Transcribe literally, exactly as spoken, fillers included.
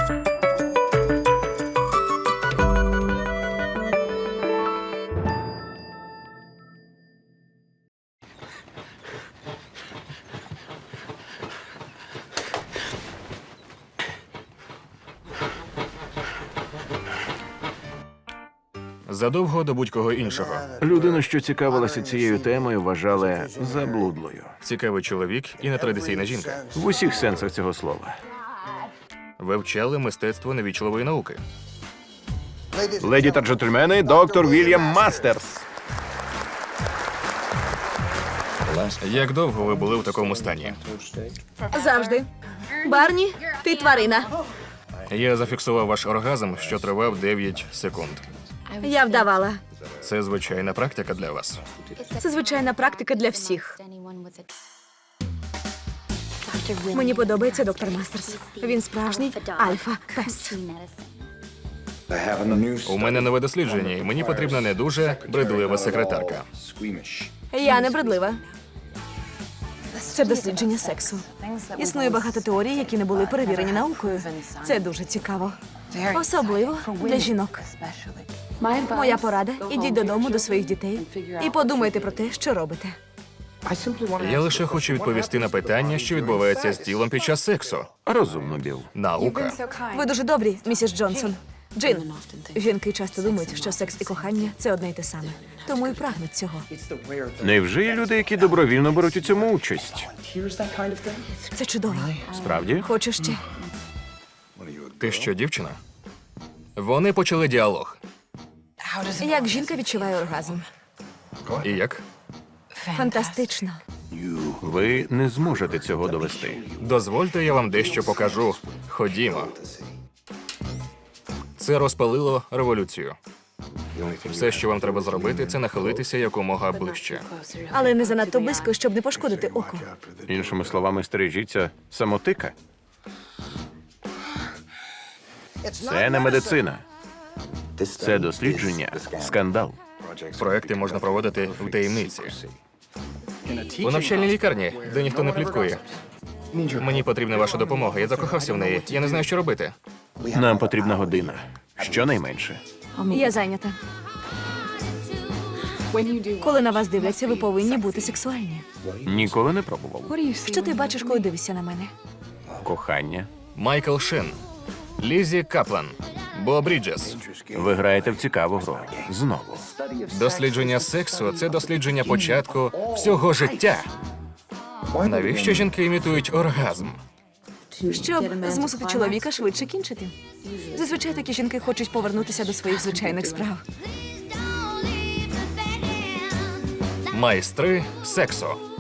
Задовго до будь-кого іншого. Людину, що цікавилася цією темою, вважали заблудлою. Цікавий чоловік і нетрадиційна жінка. В усіх сенсах цього слова. Вивчали мистецтво невічливої науки. Леді та джентльмени, доктор Вільям Мастерс. Як довго ви були в такому стані? Завжди. Барні, ти тварина. Я зафіксував ваш оргазм, що тривав дев'ять секунд. Я вдавала. Це звичайна практика для вас. Це звичайна практика для всіх. Мені подобається доктор Мастерс. Він справжній альфа-пес. У мене нове дослідження, і мені потрібна не дуже бридлива секретарка. Я не бредлива. Це дослідження сексу. Існує багато теорій, які не були перевірені наукою. Це дуже цікаво. Особливо для жінок. Моя порада – ідіть додому до своїх дітей і подумайте про те, що робите. Я лише хочу відповісти на питання, що відбувається з тілом під час сексу. Розумно, Біл. Наука. Ви дуже добрі, місіс Джонсон. Джин, жінки часто думають, що секс і кохання – це одне й те саме. Тому і прагнуть цього. Невже є люди, які добровільно беруть у цьому участь? Це чудово. Справді? Хочу ще. Ти що, дівчина? Вони почали діалог. Як жінка відчуває оргазм? І як? Фантастично. Ви не зможете цього довести. Дозвольте, я вам дещо покажу. Ходімо. Це розпалило революцію. Все, що вам треба зробити, це нахилитися якомога ближче. Але не занадто близько, щоб не пошкодити око. Іншими словами, стережіться самотика. Це не медицина. Це дослідження. Скандал. Проекти можна проводити в таємниці. У навчальній лікарні, де ніхто не пліткує. Мені потрібна ваша допомога. Я закохався в неї. Я не знаю, що робити. Нам потрібна година. Щонайменше. Я зайнята. Коли на вас дивляться, ви повинні бути сексуальні. Ніколи не пробував. Що ти бачиш, коли дивишся на мене? Кохання. Майкл Шин, Лізі Каплан, Бо Бріджес. Ви граєте в цікаву гру. Знову. Дослідження сексу – це дослідження початку всього життя. Навіщо жінки імітують оргазм? Щоб змусити чоловіка швидше кінчити. Зазвичай такі жінки хочуть повернутися до своїх звичайних справ. Майстри сексу.